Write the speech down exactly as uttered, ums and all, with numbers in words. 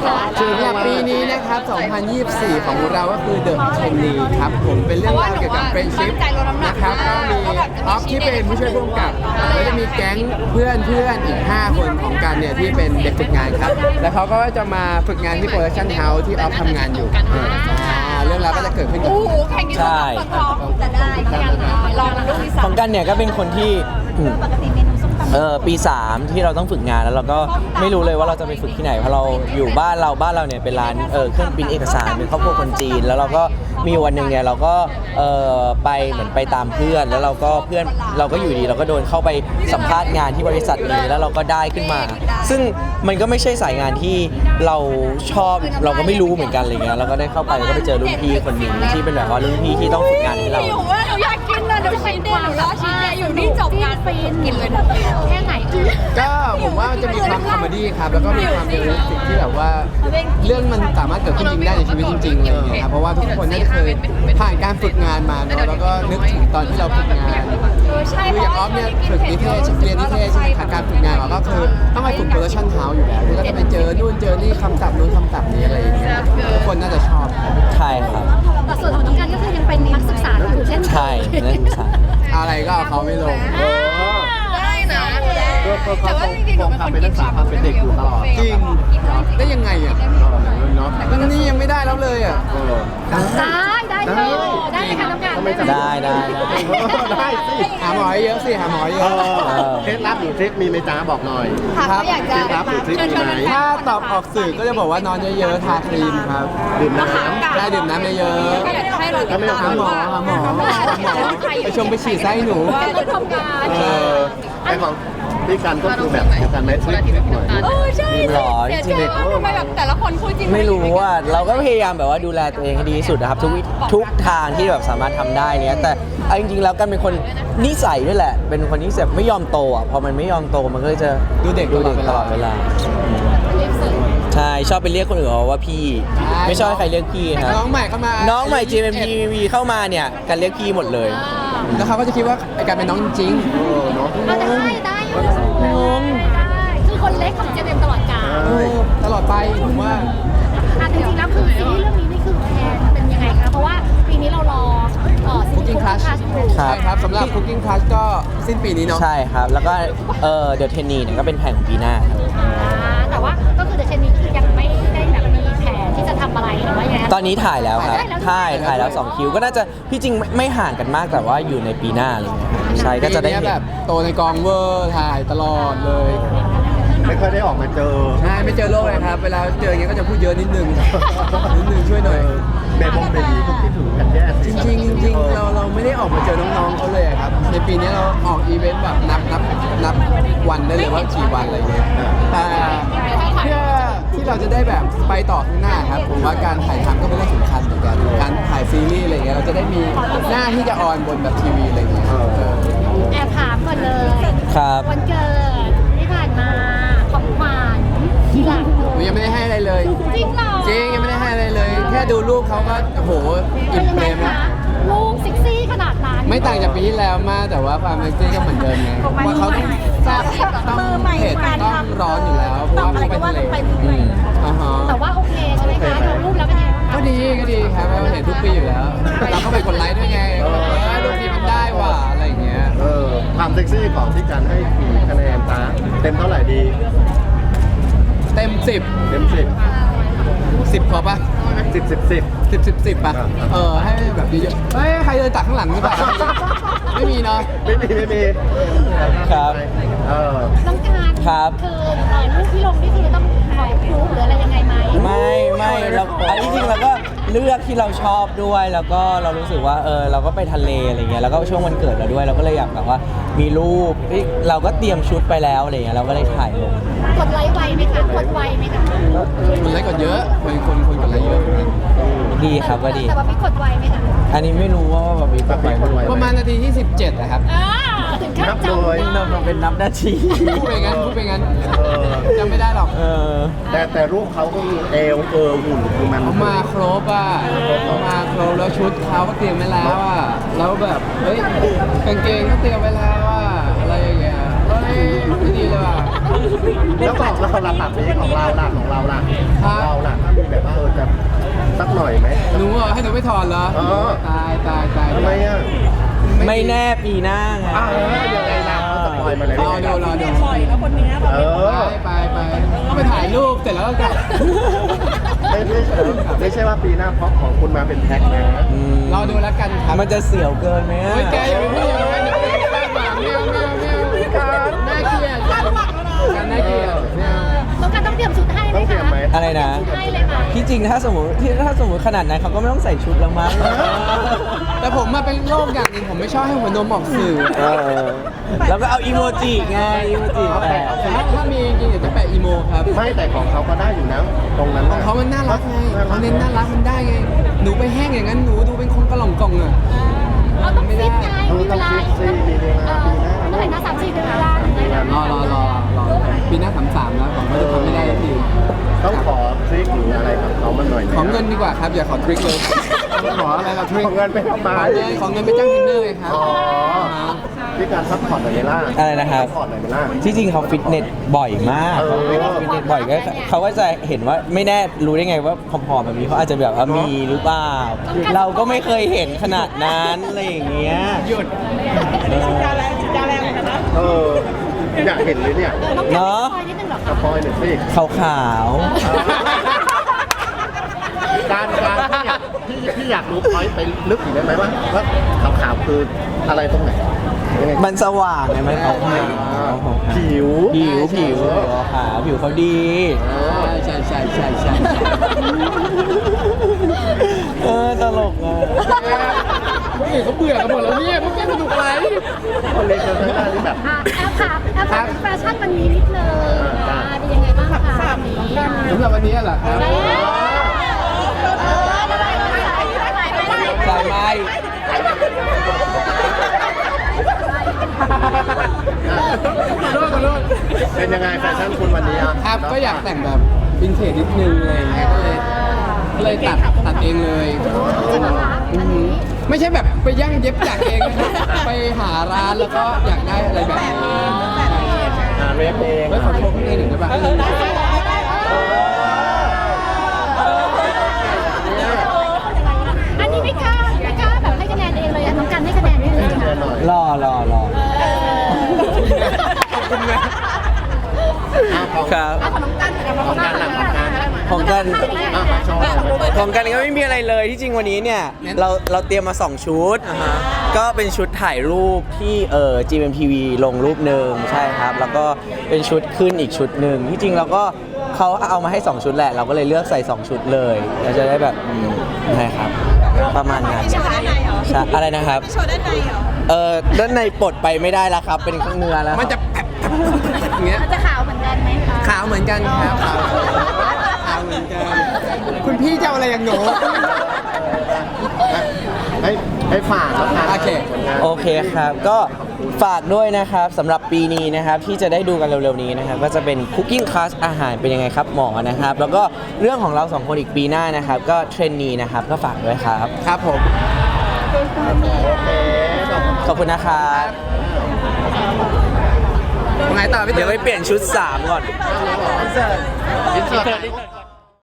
สำหรับปีนี้นะครับ สองพันยี่สิบสี่ ของเราก็คือ The Trainee ครับผมเป็นเรื่องราวเกี่ยวกับ friendship นะครับก็มีออฟที่เป็นผู้ช่วยผู้กำกับแล้วจะมีแก๊งเพื่อนเพื่อนอีกห้าคนของกันเนี่ยที่เป็นเด็กฝึกงานครับแล้วเขาก็จะมาฝึกงานที่ Production House ที่ออฟทำงานอยู่เรื่องราวก็จะเกิดขึ้นกับใช่จะได้ลองลูกที่สาขมองกันเนี่ยก็เป็นคนที่ปกติเมนูส้มตำเออปีสามที่เราต้องฝึกงานแล้วเราก็ไม่รู้เลยว่าเราจะไปฝึกที่ไหนเพราะเราอยู่บ้านเราบ้านเราเนี่ยเป็นร้านเออเครื่องปริ้นเอกสารเป็นครอบครัวคนจีนแล้วเราก็มีวันหนึ่งเนี่ยเราก็เออไปเหมือนไปตามเพื่อนแล้วเราก็เพื่อนเราก็อยู่ดีเราก็โดนเข้าไปสัมภาษณ์งานที่บริษัทนี้แล้วเราก็ได้ขึ้นมา ซึ่งมันก็ไม่ใช่สายงานที่เราชอบเราก็ไม่รู้เหมือนกันอะไรเงี้ยเราก็ได้เข้าไปแล้วก็ไปเจอรุ่นพี่คนหนึ่งที่เป็นแบบว่ารุ่นพี่ที่ต้องฝึกงานให้เราหนูว่าหนูอยากกินเลยเดี๋ยวชิ้นเดียวหนูรอชิ้นเดียวอยู่นี่จบงานไปกินเลยแค่ไหนก็ผมว่ามันจะมีความคอมเมดี้ครับแล้วก็มีความเรียลลิสติกที่แบบว่าเรื่องมันสามารถเกิดขึ้นจริงได้ในชีวิตจริงๆอะไรอย่างเงี้ยครับเพราะว่าทุกคนน่าจะเคยผ่านการฝึกงานมาเนาะแล้วก็นึกถึงตอนที่เราฝึกงานคืออย่างออฟเนี่ยฝึกนิเทศเรียนนิเทศใช่ไหมครับการฝึกงานเราก็คือต้องไปฝึกโปรดักชั่นเฮาส์อยู่แล้วที่ก็จะไปเจอนู่นเจอนี่คำศัพท์นู้นคำศัพท์นี้อะไรอย่างเงี้ยทุกคนน่าจะชอบใช่ครับแต่ส่วนของน้องกันก็คือยังเป็นนักศึกษาอยู่เช่นใช่นักศึกษาอะไรก็เอาเขาไม่ลงได้นะแต่ว่าจริงๆหนูเป็นคนกินชาความเป็นเด็กอยู่ตลอดจริงได้ยังไงอ่ะเนาะนี่ยังไม่ได้แล้วเลยอ่ะได้ได้เลยได้ไหมคะน้องกันได้ได้ได้ได้สิหาหมอเยอะสิหาหมอเยเออะอเคล็ดลับหรือทริคมีไหมจ้าบอกหน่อยค่ะเขาอยากเคจะล็ดลับหรือทริคมีไหมถ้าตอบออกสื่อก็จะบอกว่านอนเยอะๆทาครีมครับดื่มน้ได้ดื่มน้ำเยอะให้เราำถ้าไม่ๆทาหาหมอหาหมอหาหมอไปชมไปฉีดไส้หนูการทำงานเออไอของพี่กันก็คือแบบเดียวกันไหมทริคหน่อยเออใช่หรอเสียใจมากทำไมแบบแต่ละคนพูดจริงไม่รู้ว่าเราก็พยายามแบบว่าดูแลตัวเองให้ดีที่สุดนะครับทุกวิทุกทางที่แบบสามารถทำได้เนี้ยแต่เอาจริงๆแล้วกันเป็นคนนิสัยด้วยแหละ เป็นคนที่แบบไม่ยอมโตอ่ะพอมันไม่ยอมโตมันก็จะดูเด็กดูเด็กตลอดเวลาใช่ชอบไปเรียกคนอื่นว่าพี่ ไม่ชอบให้ใครเรียกพี่ครับน้องใหม่เข้ามาน้องใหม่ จี เอ็ม พี วี เข้ามาเนี่ยกันเรียกพี่หมดเลยแล้วเขาก็จะคิดว่าไอ้การเป็นน้องจริงเออเนาะเราจะได้ได้อยู่ได้คือคนเล็กของเจเอ็มตลอดกาลเออตลอดไปผมว่าอ่ะจริงๆแล้วคือซีรีส์เรื่องนี้นี่คือแพนเป็นยังไงคะเพราะว่าปีนี้เรารอเอ่อซีรี Cooking ส์ Class อยู่ครัใช่บครับสำหรับ Cooking Class ก็สิ้นปีนี้เนาะใช่ครับ แล้วก็เออเดอะเทนนีเนี่ยก็เป็นแผนของปีหน้าครับอ่าแต่ว่าก็คือเดอะเชนนี้คือยังไม่ได้แบบมีแผนที่จะทำอะไรหรือว่ายังไงคะตอนนี้ถ่ายแล้วครับถ่ายแล้วถ่ายถ่ายแล้วสองคิวก็น่าจะที่จริงไม่ไม่ห่างกันมากแต่ว่าอยู่ในปีหน้าอะไรเงี้ยใช่ก็จะได้ปีเห็นี้นแบบโตในกองเวอร์ถ่ายตลอดเลยไม่ค่อยได้ออกมาเจอใช่ไม่เจอโลกเลยครับ เวลาเจออย่างเงี้ยก็จะพูดเยอะนิดนึง นิดนึงช่วยหน่อยเบบบงเบบีก็คิดถึงแพนแย่จริงๆจริงๆเราเราไม่ได้ออกมาเจอน้องๆเขาเลยอะครับ ในปีนี้เราออกอีเวนต์แบบนับนับนับวันได้เลยว่ากี่วันอะไรเงี้ยแต่เพื่อที่เราจะได้แบบไปต่อข้างหน้าครับผมว่าการถ่ายทำก็เป็นเรื่องสำคัญเหมือนกันการถ่ายซีรีส์อะไรเงี้ยเราจะได้มีหน้าที่จะออนบนแบบทีวีอะไรเงี้ยเออแอบถามก่อนเลยครับวันเกิดที่ผ่านมาของขวัญที่หลังหนูยังไม่ได้ให้อะไรเลยจริงเหรอจริงยังไม่ได้ให้อะไรเลย แค่ดูรูปเขาก็โอ้โหอิ่มเปรมแล้วลูกซิกซี่ขนาดนั้นไม่ต่างจากปีที่แล้วมากแต่ว่าความเซ็กซี่ก็เหมือนเดิมไงว่าเขาต้องทราบต้องเผ็ดต้องร้อนอยู่แล้วเพราะว่าเขาไปทะเลอืมอ่าฮะแต่ว่าโอเคใช่ไหมคะดูรูปแล้วเป็นยังไงก็ดีก็ดีครับเราเห็นทุกปีอยู่แล้ว เราก็ไปกดไลค์ด้วยไงเออรูปนี้มันได้ว่ะอะไรอย่างเงี้ยเออความเซ็กซี่ของพี่กันให้กี่คะแนนจ้าเต็มเท่าไหร่ดีเต็มสิบเต็มสิบสิบพอปะสิบสิบสิบสิบสิบสิบปะครับเออให้แบบเยอะๆเฮ้ยใครเดินตักข้างหลังหรือเปล่าไม่มีเนาะไม่มีไม่มีครับเออต้องการครับคือเอ่อรูปที่ลงนี่คือต้องขอพรูฟหรืออะไรยังไงไหมไม่ไม่เราอันที่จริงเราก็เลือกที่เราชอบด้วยแล้วก็เรารู้สึกว่าเออเราก็ไปทะเลอะไรเงี้ยแล้วก็ช่วงวันเกิดเราด้วยเราก็เลยอยากแบบว่ามีรูปเอ้ยเราก็เตรียมชุดไปแล้วอะไรเงี้ยเราก็เลยถ่ายลงกดไลค์ไวไหมคะกดไวไหมคะคนไลค์กดเยอะคนคนคนกดไลค์เยอะดีครับก็ดีแต่ว่าพี่กดไวไหมคะอันนี้ไม่รู้ว่าแบบมีแบบไหนคนไวประมาณนาทีที่สิบเจ็ดนะครับอ่าถึงขั้นนับจำเลยได้มันเป็นนับนาทีพูดไปงั้นพูดไปงั้นเออจำไม่ได้หรอกเออแต่แต่รูปเขาก็มีเอวเออหุ่นคือมันเขามาครบอ่ะเขามาครบแล้วชุดเขาก็เตรียมไว้แล้วอ่ะแล้วแบบเฮ้ยกางเกงก็เตรียมไว้แล้วอ่ะอะไรอย่างเงี้ยเฮ้ยไม่ดีเลยว่ะแล้วของเราล่ะผักนี้ของเราล่ะของเราล่ะครับเราถอนเหรออ๋อตายตายตายทำไมอ่ะไม่แน่ปีหน้าไงอ้าวยังไงล่ะเขาสปอยล์มาเลยรอดูรอดูปล่อยแล้วคนเนี้ยแบบเออไปไปไปก็ไปถ่ายรูปเสร็จแล้วก็กลับไม่ไม่ใช่ไม่ใช่ว่าปีหน้าเพราะของคุณมาเป็นแพ็คนะอืมรอดูแล้วกันครับมันจะเสียวเกินไหมอะเฮ้ยแกอย่าไปพูดอย่างนั้นเดี๋ยวแกคาดหวังไม่เอาไม่เอาไม่เอาการน่าเกลียดการน่าเกลียดไม่เอาต้องการต้องเตรียมชุดให้ไหมต้องเตรียคะมไหมอะไรนะให้เลยไหมที่จริงถ้าสมมติที่ถ้าสมมติขนาดนั้นเขาก็ไม่ต้องใส่ชุดแล้วมั้งแต่ผมมาเป็นโรคอย่างหนึงผมไม่ชอบให้หัวนมออกสื่อเออแล้วก็เอาอีโมจิไงอีโมจิแปะถ้าถ้ามีจริงๆเดี๋ยวจะแปะอีโมครับไม่แต่ของเขาก็ได้อยู่นะตรงนั้นของเขามันน่ารักไงเขาเน้นน่ารักมันได้ไง หนูไปแห้งอย่างนั้นหนูดูเป็นคนกระหล่องกล่องอ่ะเราต้องฟิตไงเออมีเวต้องลาฟิตซิมีเวลาปีหน้าเมื่อไหร่นะสามสี่เดือนเวลารอรอรอรอปีหน้าสามสามแล้วผมก็จะทำไม่ได้สักทีต้องขอทริคหรืออะไรกับเขามันหน่อยไหมขอเงินดีกว่าครับอย่าขอทริคเลยขออะไรเราทริคขอเงินไปทำไมขอเงินขอเงินไปจ้างเทรนเนอร์ไงครับอ๋อพี่การซัพพอร์ตหน่อยไหมล่ะอะไรนะครับซัพพอร์ตหน่อยไหมล่ะที่จริงเขาฟิตเนสบ่อยมากเออเขาฟิตเนสบ่อยก็เขาก็จะเห็นว่าไม่แน่รู้ได้ไงว่าผอมๆแบบนี้เขาอาจจะแบบว่ามีหรือเปล่า เราก็ไม่เคยเห็นขนาดนั้นอะไรอย่างเงี้ยหยุดเออจาแรงจาแรงเหมือนกันนะเอออยากเห็นเลยเนี่ยต้องการคอยนิดนึงเหรอสคะปอยหน่อยสิขาวๆการการที่อยากที่ที่อยากรู้พอยต์ไปลึกอีกได้ไหมว่าว่าขาวๆคืออะไรตรงไหนยังไงมันสว่างไงมันขาวขาวผิวผิวผิวขาวผิวเขาดีใช่ใช่ใช่ใช่ใช่เออตลกอ่ะคนอื่นเขาเบื่อกันหมดแล้วเนี่ยพวกแกสนุกอะไรคนเล็กคนข้างหน้านี่แบบอ่ะแอปค่ะแอปค่ะแฟชั่นวันนี้นิดนึงอ่าเป็นยังไงบ้างคะวันนี้สำหรับวันนี้เหรอครับสายไม้ขอโทษขอโทษเป็นยังไงแฟชั่นคุณวันนี้อ่ะครับก็อยากแต่งแบบวินเทจนิดนึงอะไรอย่างเงี้ยก็เลยก็เลยตัดตัดเองเลยจริงเหรอคะอันนี้ไม่ใช่แบบไปย่างเย็บจากเองนะครับไปหาร้านแล้วก็อยากได้อะไรแบบนี้อ่าเรฟเองไม่ขอโทษเองหนึ่งได้ป่ะอันนี้ไม่กล้าไม่กล้าแบบให้คะแนนเองเลยอ่ะน้องกันให้คะแนนด้วยเลยแน่หน่อยรอรอรอขอบคุณนะอ่าของครับเอาของน้องกันกับน้องกันหลังของกันของกันอ่ามาโชว์ของกันก็ไม่มีอะไรเลยที่จริงวันนี้เนี่ยเราเราเตรียมมาสองชุด ก็เป็นชุดถ่ายรูปที่เอ่อ จี เอ็ม ที วี ลงรูปหนึ่งใช่ครับ แล้วก็เป็นชุดขึ้นอีกชุดหนึ่งที่จริงเราก็เขาเอามาให้สองชุดแหละ เราก็เลยเลือกใส่สองชุดเลยเราจะได้แบบอืมใช่ครับ ประมาณนั้นโชว์ด้านในเหรอใช่อะไรนะครับโชว์ด้านในเหรอเออด้านในปลดไปไม่ได้แล้วครับ เป็นข้างเนื้อแล้วมันจะแผลบอย่างเงี้ยมันจะขาวเหมือนกันไหมคะขาวเหมือนกันครับขาวขาวเหมือนกันคุณพี่จะเอาอะไรอย่างหนูให้ให้ฝากแล้วกันโอเคโอเคครับ ก็ฝากด้วยนะครับสำหรับปีนี้นะครับที่จะได้ดูกันเร็วๆนี้นะครับก็จะเป็นคุกกิ้งคลาสอาหารเป็นยังไงครับหมอนะครับ แล้วก็เรื่องของเราสองคนอีกปีหน้านะครับ ก็เทรนนีนะครับก็ฝากด้วยครับครับผมขอบคุณนะครับไงต่อพี่เดี๋เต๋ยวอไปเปลี่ยนชุดสามก่อนอินเสิร์ตอินเสิร์ต